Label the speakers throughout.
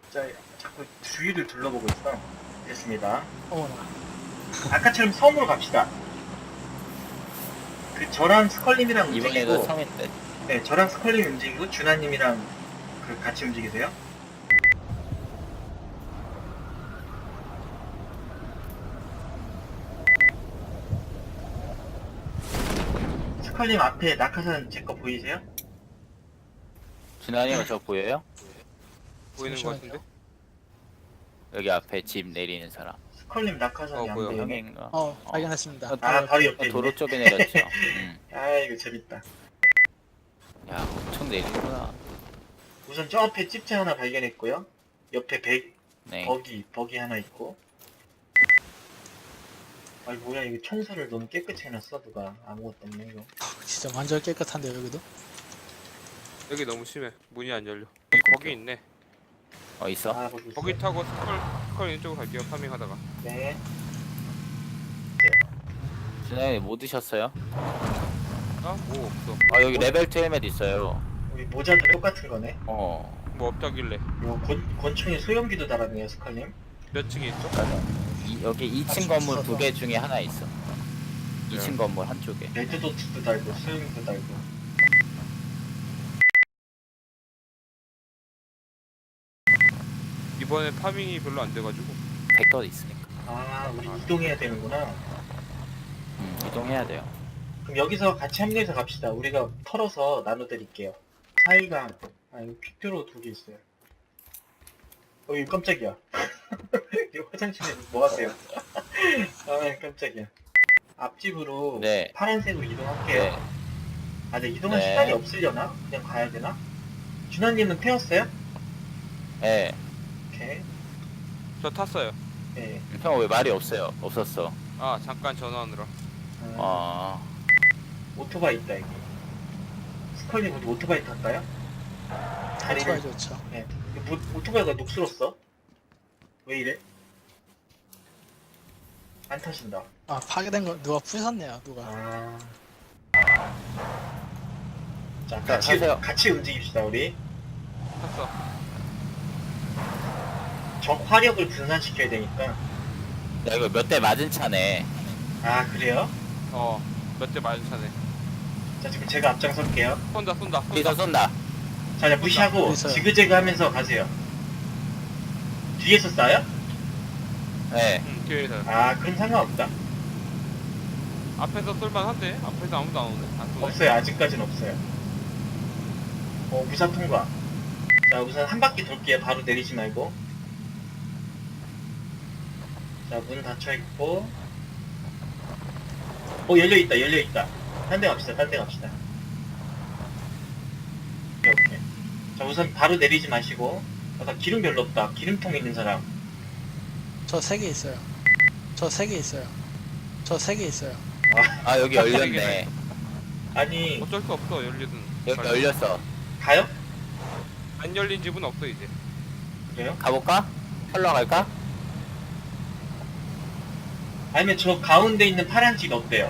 Speaker 1: 자, 자꾸 주위를 둘러보고 있어. 됐습니다.
Speaker 2: 어머나.
Speaker 1: 아까처럼 섬으로 갑시다. 그 저랑 스컬님이랑
Speaker 3: 이번에도
Speaker 1: 움직이고,
Speaker 3: 성인데.
Speaker 1: 네, 저랑 스컬님 움직이고 준하님이랑 그 같이 움직이세요. 스컬님 앞에 낙하산 제 거 보이세요?
Speaker 3: 준환이가 저 보여요?
Speaker 4: 보이는 거 같은데?
Speaker 3: 여기 앞에 집 내리는 사람.
Speaker 1: 스컬님 낙하산이 안
Speaker 4: 보여.
Speaker 1: 보이네.
Speaker 3: 형인가?
Speaker 2: 발견했습니다.
Speaker 1: 아, 바로 옆에
Speaker 3: 도로
Speaker 1: 있네.
Speaker 3: 쪽에 내렸죠.
Speaker 1: 아, 이거 재밌다.
Speaker 3: 야, 엄청 내리구나.
Speaker 1: 우선 저 앞에 집체 하나 발견했고요. 옆에
Speaker 3: 네.
Speaker 1: 버기 하나 있고. 아이 뭐야, 이거 청소를 너무 깨끗이 해놨어 누가. 아무것도 없네 이거.
Speaker 2: 진짜 완전 깨끗한데요, 여기도?
Speaker 4: 여기 너무 심해. 문이 안 열려. 거기 있네.
Speaker 3: 있어?
Speaker 1: 아, 거기 있어요?
Speaker 4: 거기 타고 스컬 있는 쪽으로 갈게요. 파밍 하다가.
Speaker 1: 네.
Speaker 3: 준환이 뭐 드셨어요?
Speaker 4: 아, 뭐 없어.
Speaker 3: 여기 레벨 2 헬멧 있어요.
Speaker 1: 우리 모자도 똑같은 거네.
Speaker 4: 뭐 없다길래.
Speaker 1: 요 권총에 소염기도 달았네요, 스컬님.
Speaker 4: 몇 층에 있죠?
Speaker 3: 맞아. 여기 2층 건물
Speaker 2: 있어서.
Speaker 3: 2개 중에 하나 있어. 2층 건물 한쪽에.
Speaker 1: 레드도트도 달고 소염기도 달고.
Speaker 4: 이번에 파밍이 별로 안 돼가지고.
Speaker 3: 벡터 있으니까.
Speaker 1: 아, 우리 이동해야 되는구나.
Speaker 3: 이동해야 돼요.
Speaker 1: 그럼 여기서 같이 합류해서 갑시다. 우리가 털어서 나눠드릴게요. 사이가, 이거 퀵드로 2개 있어요. 이거 깜짝이야. 이거 화장실에 뭐 하세요? 아, 깜짝이야. 앞집으로
Speaker 3: 네.
Speaker 1: 파란색으로 이동할게요.
Speaker 3: 네.
Speaker 1: 아, 근데 이동할
Speaker 3: 네.
Speaker 1: 시간이 없으려나? 그냥 가야 되나? 준하님은 태웠어요?
Speaker 3: 네.
Speaker 1: 오케이.
Speaker 4: 저 탔어요.
Speaker 1: 네.
Speaker 3: 형 왜 말이 없었어?
Speaker 4: 아, 잠깐 전화하느라.
Speaker 1: 오토바이 있다, 여기. 스컬님, 우리 오토바이 탈까요?
Speaker 2: 오토바이 좋죠.
Speaker 1: 네. 뭐, 오토바이가 녹슬었어? 왜 이래? 안 타신다.
Speaker 2: 파괴된 거 누가 부셨네요, 누가.
Speaker 1: 자,
Speaker 3: 자, 타세요.
Speaker 1: 같이 움직입시다, 우리.
Speaker 4: 탔어.
Speaker 1: 적 화력을 분산시켜야 되니까.
Speaker 3: 야, 이거 몇 대 맞은 차네.
Speaker 1: 아, 그래요?
Speaker 4: 몇 대 맞은 차네.
Speaker 1: 자, 지금 제가 앞장설게요.
Speaker 4: 쏜다.
Speaker 3: 뒤에서 쏜다.
Speaker 1: 자, 그냥 무시하고
Speaker 2: 어디서요?
Speaker 1: 지그재그 하면서 가세요. 뒤에서 쏴요?
Speaker 3: 네.
Speaker 4: 응, 뒤에서.
Speaker 1: 아, 그럼 상관없다.
Speaker 4: 앞에서 쏠만한데? 앞에서 아무도 안 오네. 안 쏘네.
Speaker 1: 없어요. 아직까진 없어요. 무사 통과. 자, 우선 한 바퀴 돌게요. 바로 내리지 말고. 자, 문 닫혀있고. 열려있다, 열려있다. 딴 데 갑시다, 딴 데 갑시다. 오케이. 자, 우선 바로 내리지 마시고. 아까 기름 별로 없다. 기름통 있는 사람.
Speaker 2: 저 3개 있어요. 저 3개 있어요. 저 3개 있어요.
Speaker 3: 여기 열렸네.
Speaker 1: 아니,
Speaker 4: 어쩔 수 없어, 열리든.
Speaker 3: 여기 열렸어.
Speaker 1: 가요?
Speaker 4: 안 열린 집은 없어, 이제.
Speaker 1: 그래요?
Speaker 3: 가볼까? 털러 갈까?
Speaker 1: 아니면 저 가운데 있는 파란 집 어때요?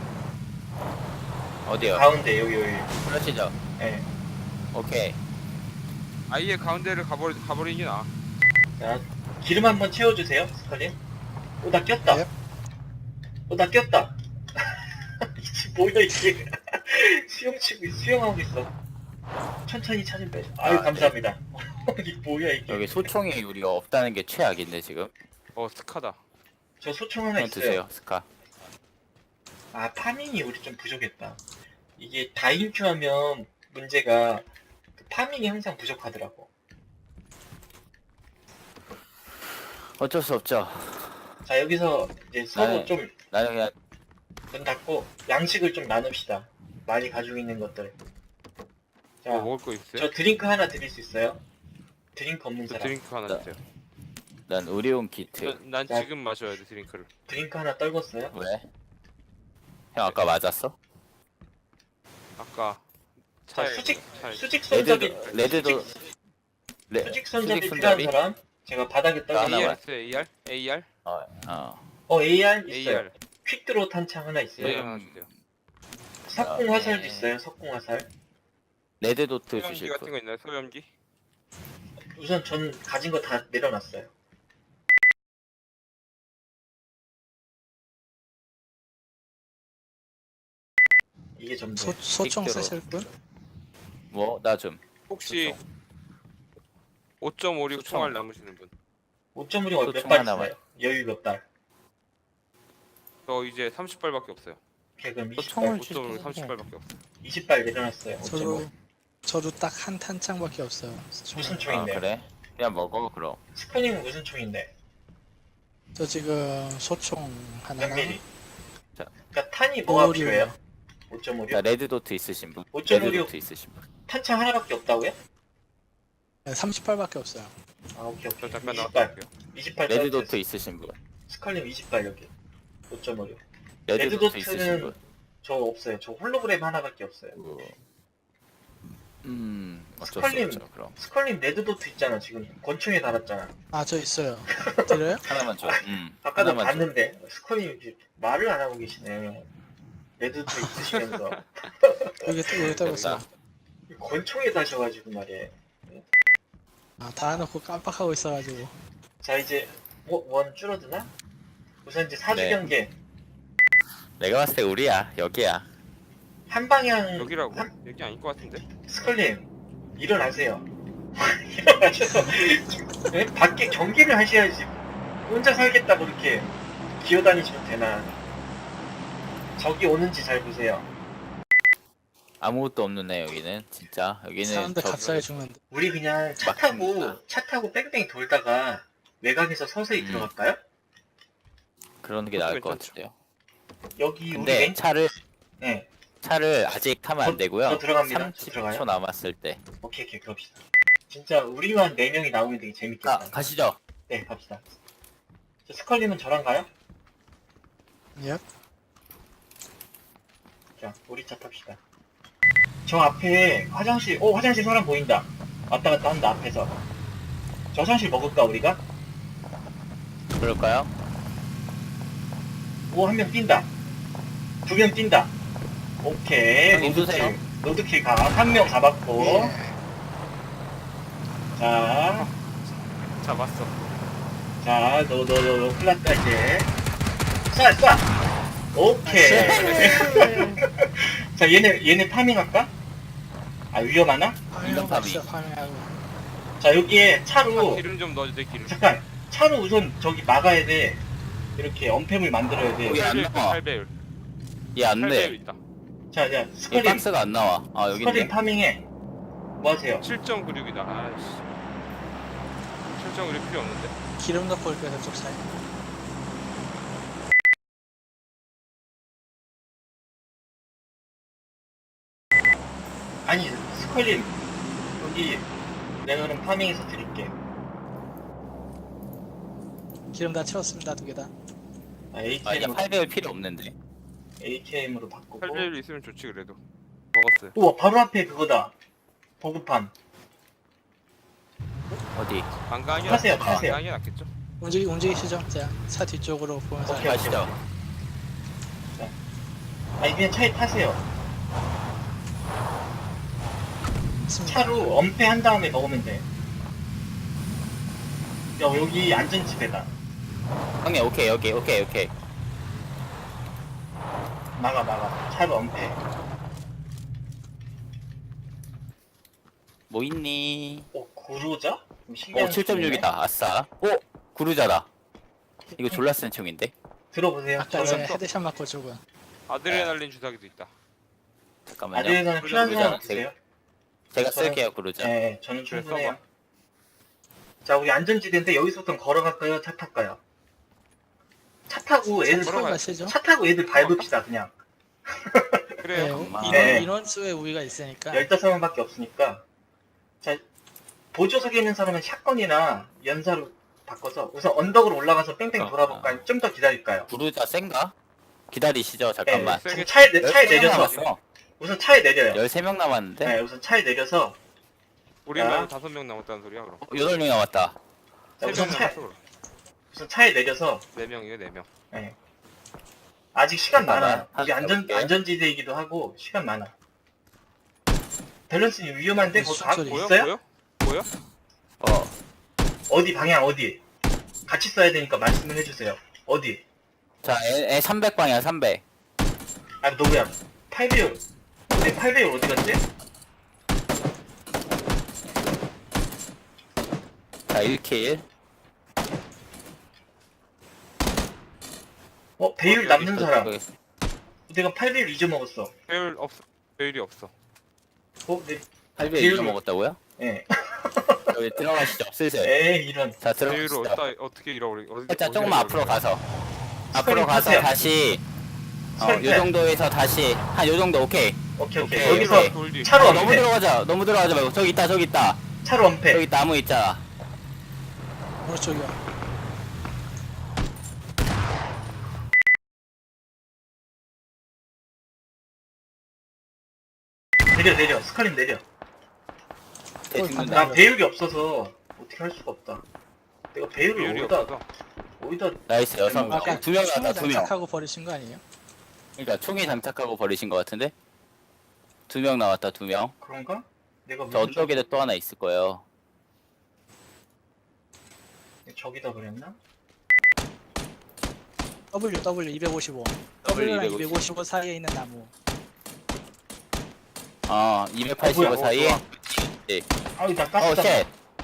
Speaker 3: 어디요?
Speaker 1: 가운데, 여기.
Speaker 3: 그러시죠.
Speaker 1: 예.
Speaker 3: 오케이.
Speaker 4: 아예 가운데를 가버리긴 아.
Speaker 1: 자, 기름 한번 채워주세요, 스컬님. 나 꼈다.
Speaker 2: 네.
Speaker 1: 나 꼈다. 이게 뭐야, 이게. 수영하고 있어. 천천히 차좀 빼줘. 아유, 감사합니다. 이게 뭐야, 이게.
Speaker 3: 여기 소총이 우리가 없다는 게 최악인데 지금.
Speaker 4: 스카다.
Speaker 1: 저 소총 하나
Speaker 3: 형
Speaker 1: 있어요.
Speaker 3: 드세요, 스카.
Speaker 1: 파밍이 우리 좀 부족했다. 이게 다인큐 하면 문제가 그 파밍이 항상 부족하더라고.
Speaker 3: 어쩔 수 없죠.
Speaker 1: 자, 여기서 이제 서로
Speaker 3: 네.
Speaker 1: 좀
Speaker 3: 나는 그냥
Speaker 1: 문 닫고 양식을 좀 나눕시다. 많이 가지고 있는 것들. 자,
Speaker 4: 뭐 먹을 거 있어요?
Speaker 1: 저 드링크 하나 드릴 수 있어요? 드링크 없는
Speaker 4: 저
Speaker 1: 사람.
Speaker 4: 드링크 하나
Speaker 3: 나-
Speaker 4: 주세요.
Speaker 3: 난 의료용 키트.
Speaker 4: 난
Speaker 1: 자.
Speaker 4: 지금 마셔야 돼, 드링크를.
Speaker 1: 드링크 하나 떨궜어요?
Speaker 3: 왜? 형 아까 맞았어?
Speaker 4: 아까
Speaker 1: 자,
Speaker 4: 차에
Speaker 1: 수직 손잡이.
Speaker 3: 레드도
Speaker 1: 수직 손잡이
Speaker 3: 수직
Speaker 1: 필요한
Speaker 3: 손잡이?
Speaker 1: 사람? 제가 바닥에
Speaker 3: 나 하나
Speaker 1: 떨궜어요.
Speaker 3: 만-
Speaker 4: AR? AR?
Speaker 1: AR 있어요.
Speaker 4: AR.
Speaker 1: 퀵드로 탄창 하나 있어요.
Speaker 4: AR 하나 주세요.
Speaker 1: 석궁 화살도
Speaker 3: 네.
Speaker 1: 있어요. 석궁 화살.
Speaker 3: 레드 도트
Speaker 4: 소염기
Speaker 3: 주실
Speaker 4: 같은
Speaker 3: 분.
Speaker 4: 거 있나요? 소염기?
Speaker 1: 우선 전 가진 거 다 내려놨어요. 이게 전부.
Speaker 2: 소총
Speaker 3: 빅대로.
Speaker 2: 쓰실 분?
Speaker 3: 뭐 나 좀.
Speaker 4: 혹시 5.56
Speaker 3: 소총.
Speaker 4: 총알 남으시는 분?
Speaker 1: 5.5리
Speaker 3: 또
Speaker 1: 몇
Speaker 3: 총
Speaker 1: 발
Speaker 3: 하나만.
Speaker 1: 있어요? 여유 몇 발?
Speaker 4: 저 이제 30발밖에 없어요.
Speaker 1: 오케이, 그럼
Speaker 3: 또
Speaker 1: 20발.
Speaker 3: 총을
Speaker 4: 5.56 30발밖에 없어요.
Speaker 1: 20발 내려놨어요. 5.5.
Speaker 2: 저도 딱 한 탄창밖에 없어요.
Speaker 1: 무슨
Speaker 3: 아
Speaker 1: 총인데?
Speaker 3: 그래? 그냥 먹어 그럼.
Speaker 1: 스포님은 무슨 총인데?
Speaker 2: 저 지금 소총
Speaker 1: 몇
Speaker 2: 하나랑
Speaker 1: 미리?
Speaker 3: 자.
Speaker 1: 그러니까 탄이 뭐가
Speaker 2: 5.56.
Speaker 1: 필요해요?
Speaker 3: 자
Speaker 1: 5.5리?
Speaker 3: 레드 도트 있으신 분.
Speaker 1: 5.56.
Speaker 3: 레드 도트 있으신 분.
Speaker 1: 탄창 하나밖에 없다고요?
Speaker 2: 30발밖에 없어요.
Speaker 1: 아, 오케이,
Speaker 4: 저
Speaker 1: 오케이.
Speaker 4: 잠깐
Speaker 1: 20발.
Speaker 4: 나갈게요.
Speaker 1: 20발
Speaker 3: 레드
Speaker 1: 짜리
Speaker 3: 도트 있으신 분.
Speaker 1: 스칼님 20발 여기. 5.5리.
Speaker 3: 레드
Speaker 1: 레드
Speaker 3: 도트 있으신
Speaker 1: 도트는
Speaker 3: 분.
Speaker 1: 저 없어요. 저 홀로그램 하나밖에 없어요.
Speaker 3: 어쩔 수
Speaker 1: 스컬님.
Speaker 3: 없죠 그럼.
Speaker 1: 스컬님 레드 도트 있잖아. 지금 권총에 달았잖아.
Speaker 2: 아, 저 있어요. 드려요?
Speaker 3: 하나만 줘.
Speaker 1: 아까도
Speaker 3: 하나만 줘.
Speaker 1: 봤는데 스컬님 이렇게 말을 안 하고 계시네. 레드 도트 있으시면서
Speaker 2: 여기 떨고 있어요.
Speaker 3: 됐다.
Speaker 1: 권총에 다셔가지고 말이에요.
Speaker 2: 아, 달아놓고 깜빡하고 있어가지고.
Speaker 1: 자 이제 원 줄어드나? 우선 이제 사주
Speaker 3: 네.
Speaker 1: 경계
Speaker 3: 내가 봤을 때 우리야 여기야.
Speaker 1: 한 방향.
Speaker 4: 여기라고? 여기 아닐 것 같은데?
Speaker 1: 스컬님 일어나세요. 일어나셔서 네? 밖에 경기를 하셔야지. 혼자 살겠다고 이렇게 기어다니시면 되나? 저기 오는지 잘 보세요.
Speaker 3: 아무것도 없는 애 여기는 진짜 여기는
Speaker 2: 사람들
Speaker 3: 저-
Speaker 2: 값싸게 죽는데.
Speaker 1: 우리 그냥
Speaker 3: 막힙니다.
Speaker 1: 차 타고 뺑뺑 돌다가 외곽에서 서서히 들어갈까요?
Speaker 3: 그러는 게 나을 것
Speaker 4: 괜찮죠.
Speaker 3: 같은데요.
Speaker 1: 여기 우리
Speaker 3: 근데
Speaker 1: 왼
Speaker 3: 차를
Speaker 1: 네
Speaker 3: 아직 타면 안 되고요.
Speaker 1: 저 들어갑니다. 저 들어가요.
Speaker 3: 30초 남았을 때.
Speaker 1: 오케이 그럽시다. 진짜 우리만 4명이 나오면 되게 재밌겠다.
Speaker 3: 가시죠.
Speaker 1: 네 갑시다. 저 스컬님은 저랑 가요?
Speaker 2: 예?
Speaker 1: 자 우리 차 탑시다. 저 앞에 화장실 사람 보인다. 왔다 갔다 한다 앞에서. 저 화장실 먹을까 우리가?
Speaker 3: 그럴까요?
Speaker 1: 오 한 명 뛴다. 2명 뛴다. 오케이
Speaker 3: 형님 쏘세요.
Speaker 1: 로드킬 가. 한 명 잡았고.
Speaker 2: 예.
Speaker 1: 자,
Speaker 4: 잡았어.
Speaker 1: 너 큰일 났다 이제. 쏴. 오케이. 자 얘네 파밍할까? 아 위험하나?
Speaker 3: 인간 파밍.
Speaker 2: 파밍하고.
Speaker 1: 자 여기에 차로
Speaker 4: 기름 좀 넣어주세요, 기름.
Speaker 1: 잠깐 차로 우선 저기 막아야 돼. 이렇게 엄폐물 만들어야 돼.
Speaker 3: 여기 안
Speaker 4: 8배율,
Speaker 3: 나와.
Speaker 4: 8배율.
Speaker 3: 얘 안
Speaker 4: 8배율
Speaker 3: 돼.
Speaker 4: 있다.
Speaker 1: 자
Speaker 3: 얘
Speaker 1: 스컬님
Speaker 3: 박스가 안 나와. 아 여기
Speaker 1: 스컬님
Speaker 3: 있네.
Speaker 1: 파밍해. 뭐 하세요?
Speaker 4: 7.96이다. 아이씨. 7.96 필요 없는데?
Speaker 2: 기름 넣고 올게요, 저쪽 사이.
Speaker 1: 아니 스컬님 여기 내가 그럼 파밍해서 드릴게.
Speaker 2: 기름 다 채웠습니다, 2개 다.
Speaker 3: 아 이제
Speaker 1: AKM으로
Speaker 3: 8배율 필요 없는데.
Speaker 1: AKM으로 바꾸고.
Speaker 4: 8배율 있으면 좋지, 그래도. 먹었어요.
Speaker 1: 우와 바로 앞에 그거다. 보급판.
Speaker 3: 어디?
Speaker 4: 반강이
Speaker 1: 타세요,
Speaker 4: 낫겠죠?
Speaker 1: 타세요.
Speaker 4: 반강이 낫겠죠?
Speaker 2: 움직이시죠? 자, 차 뒤쪽으로 보면서.
Speaker 1: 오케이.
Speaker 3: 가시죠.
Speaker 1: 아니 그냥 차에 타세요.
Speaker 2: 있습니다.
Speaker 1: 차로 엄폐한 다음에 먹으면 돼. 야 여기 안전지대다.
Speaker 3: 형님 오케이 오케이.
Speaker 1: 막아. 차로 엄폐.
Speaker 3: 뭐 있니?
Speaker 1: 오 구루자?
Speaker 3: 오
Speaker 1: 신기한
Speaker 3: 7.6이다. 아싸. 오 구루자다. 이거 졸라 센 총인데.
Speaker 1: 들어보세요.
Speaker 2: 아까
Speaker 1: 저는
Speaker 2: 제 헤드샷 맞고 죽은.
Speaker 4: 아드레날린 주사기도 있다.
Speaker 3: 잠깐만요.
Speaker 1: 아드레날린 필요한
Speaker 3: 구루자.
Speaker 1: 사람 드세요?
Speaker 3: 제가
Speaker 1: 저는-
Speaker 3: 쓸게요 구루자.
Speaker 1: 네, 저는
Speaker 4: 그래,
Speaker 1: 충분해요.
Speaker 4: 써봐.
Speaker 1: 자, 우리 안전지대인데 여기서부터 걸어갈까요? 차 탈까요? 차 타고 애들
Speaker 4: 걸어가요.
Speaker 2: 가시죠?
Speaker 1: 차 타고 애들 밟읍시다 그냥.
Speaker 4: 그래요.
Speaker 2: 네,
Speaker 3: 엄마.
Speaker 1: 네.
Speaker 2: 인원수의 우위가 있으니까.
Speaker 1: 15명밖에 없으니까. 자, 보조석에 있는 사람은 샷건이나 연사로 바꿔서 우선 언덕으로 올라가서 뺑뺑 돌아볼까요? 좀 더 기다릴까요?
Speaker 3: 구루자 센가? 기다리시죠 잠깐만.
Speaker 1: 네,
Speaker 4: 세게-
Speaker 1: 차에
Speaker 3: 13명
Speaker 1: 내려서
Speaker 3: 남았어.
Speaker 1: 우선 차에 내려요.
Speaker 3: 13명 남았는데?
Speaker 1: 네, 우선 차에 내려서
Speaker 4: 우리는 5명 남았다는 소리야, 그럼.
Speaker 3: 8명 남았다.
Speaker 1: 자,
Speaker 4: 3명
Speaker 1: 우선
Speaker 4: 남았어, 그럼.
Speaker 1: 우선 차에 내려서
Speaker 4: 4명이에요, 4명.
Speaker 1: 네. 아직 시간 많아.
Speaker 3: 잠깐만,
Speaker 1: 이게
Speaker 3: 가볼게.
Speaker 1: 안전지대이기도 하고 시간 많아. 밸런스님 위험한데 그거 다
Speaker 2: 소리.
Speaker 4: 보여?
Speaker 1: 있어요?
Speaker 4: 보여?
Speaker 3: 어
Speaker 1: 어디 방향 어디? 같이 써야 되니까 말씀을 해주세요. 어디?
Speaker 3: 자, 에 300방이야, 300.
Speaker 1: 아 너구야. 8배율. 내 8배율 어디 갔지?
Speaker 3: 자, 1킬.
Speaker 1: 배율 남는 사람.
Speaker 3: 여기.
Speaker 1: 내가 8배율 잊어먹었어.
Speaker 4: 배율 없어. 배율이 없어.
Speaker 1: 네.
Speaker 3: 800
Speaker 1: 배율.
Speaker 3: 잊어먹었다고요?
Speaker 1: 예.
Speaker 3: 여기 들어가시죠, 슬슬.
Speaker 1: 에이 이런.
Speaker 3: 자,
Speaker 4: 배율을
Speaker 3: 들어가시죠.
Speaker 4: 어떻게 잃어버리?
Speaker 3: 살짝 조금만 앞으로 가서. 앞으로 가서
Speaker 1: 타세요.
Speaker 3: 다시,
Speaker 1: 스컬
Speaker 3: 요 정도에서 다시, 한 요 정도, 오케이.
Speaker 1: 오케이.
Speaker 3: 오케이,
Speaker 1: 여기서
Speaker 3: 오케이.
Speaker 4: 돌리.
Speaker 1: 차로
Speaker 3: 너무
Speaker 1: 엄폐.
Speaker 3: 너무 들어가지 말고. 저기 있다, 저기 있다.
Speaker 1: 차로 엄폐.
Speaker 3: 저기 나무 있잖아.
Speaker 2: 오른쪽이요.
Speaker 1: 내려. 스칼린 내려.
Speaker 3: 쟤 죽는다.
Speaker 1: 나 배율이 없어서 어떻게 할 수가 없다. 내가 배율을
Speaker 4: 배율이
Speaker 1: 어디다
Speaker 4: 없어서.
Speaker 3: 나이스, 여섯 명.
Speaker 2: 아까
Speaker 3: 2명
Speaker 2: 총에
Speaker 3: 나왔다, 2명.
Speaker 2: 장착하고 버리신 거 아니에요?
Speaker 3: 그러니까 총에 장착하고 버리신 것 같은데? 2명 나왔다, 2명.
Speaker 1: 그런가? 내가
Speaker 3: 저
Speaker 1: 무슨
Speaker 3: 어쪽에도 또 하나 있을 거예요.
Speaker 1: 저기다 그랬나?
Speaker 2: W 255. W랑 255 사이에 있는 나무.
Speaker 3: 285
Speaker 1: 뭐야,
Speaker 3: 사이에.
Speaker 1: 아유 나 가스다.
Speaker 3: 쉣.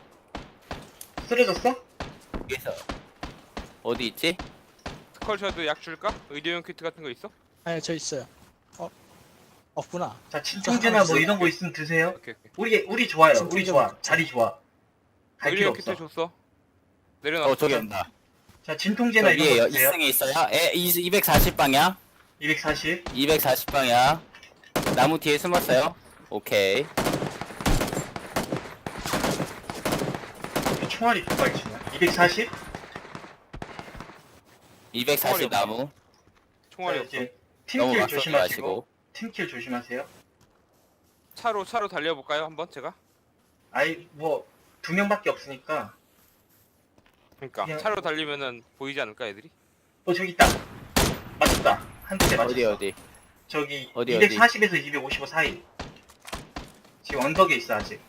Speaker 1: 쓰러졌어?
Speaker 3: 여기서. 어디 있지?
Speaker 4: 스컬셔도 약 줄까? 의료용 키트 같은 거 있어?
Speaker 2: 아니 저 있어요. 없구나.
Speaker 1: 자 진통제나 뭐 이런 거 있으면 드세요.
Speaker 4: 오케이.
Speaker 1: 우리 좋아요. 우리
Speaker 2: 진통제
Speaker 1: 좋아.
Speaker 2: 먹자.
Speaker 1: 자리 좋아. 갈 필요
Speaker 4: 의료용 키트
Speaker 1: 없어.
Speaker 4: 줬어. 내려놔.
Speaker 3: 저기 온다.
Speaker 1: 자
Speaker 3: 저
Speaker 1: 진통제나 이런
Speaker 3: 위에
Speaker 1: 거 드세요.
Speaker 3: 2층에 있어요. 240방향.
Speaker 1: 240.
Speaker 3: 240방향. 나무 뒤에 숨었어요. 오케이.
Speaker 1: 총알이 두 발치냐? 240?
Speaker 3: 240 나무.
Speaker 4: 총알이
Speaker 1: 자,
Speaker 4: 없어.
Speaker 1: 이제
Speaker 3: 너무
Speaker 1: 팀킬
Speaker 3: 맞서지
Speaker 1: 조심하시고.
Speaker 3: 마시고.
Speaker 1: 팀킬 조심하세요.
Speaker 4: 차로 달려볼까요 한번 제가?
Speaker 1: 아이 뭐 2명밖에 없으니까.
Speaker 4: 그러니까
Speaker 1: 그냥-
Speaker 4: 차로 달리면은 보이지 않을까 애들이?
Speaker 1: 저기 있다. 맞췄다. 한 대대 맞췄어.
Speaker 3: 어디?
Speaker 1: 저기
Speaker 3: 어디?
Speaker 1: 240에서 255 사이. 지금 언덕에 있어 아직.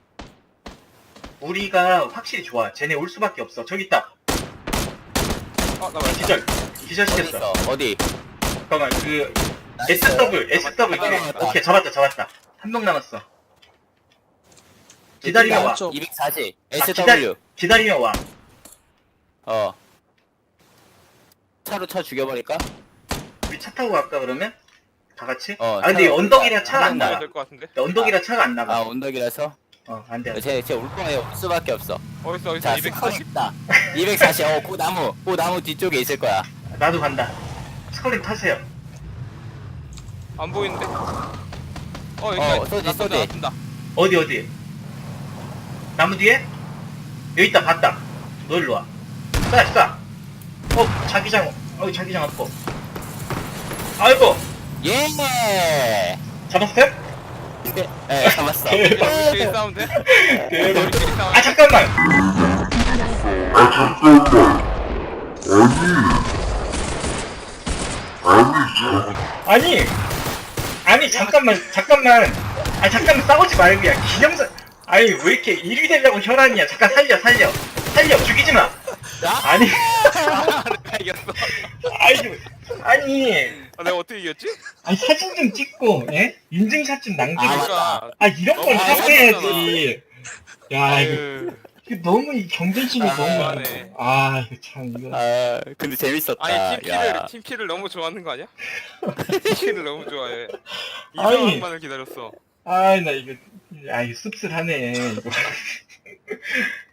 Speaker 1: 우리가 확실히 좋아. 쟤네 올 수밖에 없어. 저기 있다.
Speaker 4: 나 맞다.
Speaker 1: 기절.
Speaker 3: 어디
Speaker 1: 기절시켰어.
Speaker 3: 있어? 어디?
Speaker 1: 잠깐만 그
Speaker 3: 나이스.
Speaker 1: SW 그래.
Speaker 3: 맞다.
Speaker 1: 오케이 잡았다. 한 명 남았어. 기다리면 와.
Speaker 2: 왼쪽.
Speaker 3: 240.
Speaker 1: 아,
Speaker 3: SW.
Speaker 1: 기다리면 와.
Speaker 3: 차로 쳐 죽여버릴까?
Speaker 1: 우리 차 타고 갈까 그러면? 다 같이?
Speaker 3: 어,
Speaker 1: 근데
Speaker 3: 차로
Speaker 1: 언덕이라 차가 안
Speaker 3: 한
Speaker 1: 나가.
Speaker 4: 가야 될 것 같은데?
Speaker 1: 언덕이라 차가 안 나가.
Speaker 3: 언덕이라서?
Speaker 1: 안 돼.
Speaker 3: 쟤올 거예요. 올 수밖에 없어.
Speaker 4: 어딨어
Speaker 3: 자,
Speaker 4: 240?
Speaker 3: 있다. 240. 그 나무 뒤쪽에 있을 거야.
Speaker 1: 나도 간다. 스컬링 타세요.
Speaker 4: 안 보이는데?
Speaker 3: 쏘지.
Speaker 4: 쏜다.
Speaker 1: 어디? 나무 뒤에? 여기 있다, 봤다. 너 일로 와. 쏴. 자기장 아파. 아이고,
Speaker 3: 예!
Speaker 1: 잡았어요?
Speaker 3: 네, 잡았어.
Speaker 4: 우리끼리 싸우면 돼? 우리끼리 싸우면
Speaker 1: 아, 잠깐만. 아니, 잠깐만. 아, 잠깐만 싸우지 말고, 야, 기념사. 아니, 왜 이렇게 일이 되려고 혈안이야. 잠깐 살려. 죽이지 마. 아니,
Speaker 4: 내가 이겼어.
Speaker 1: 아니,
Speaker 4: 내가 어떻게 이겼지?
Speaker 1: 아니, 사진 좀 찍고, 예? 인증샷 좀 남기고.
Speaker 4: 그러니까
Speaker 1: 이런 걸
Speaker 4: 너무
Speaker 1: 하고 해야지. 야, 이거
Speaker 4: 아유.
Speaker 1: 너무 이 경쟁심이 너무.
Speaker 4: 그만해.
Speaker 1: 이거 참, 이거.
Speaker 3: 근데 재밌었다.
Speaker 4: 아니
Speaker 3: 야.
Speaker 4: 팀킬을 너무 좋아하는 거 아니야? 팀킬을 너무 좋아해. 이
Speaker 1: 아니.
Speaker 4: 상황만을 기다렸어.
Speaker 1: 나 이거. 이거 씁쓸하네. 이거.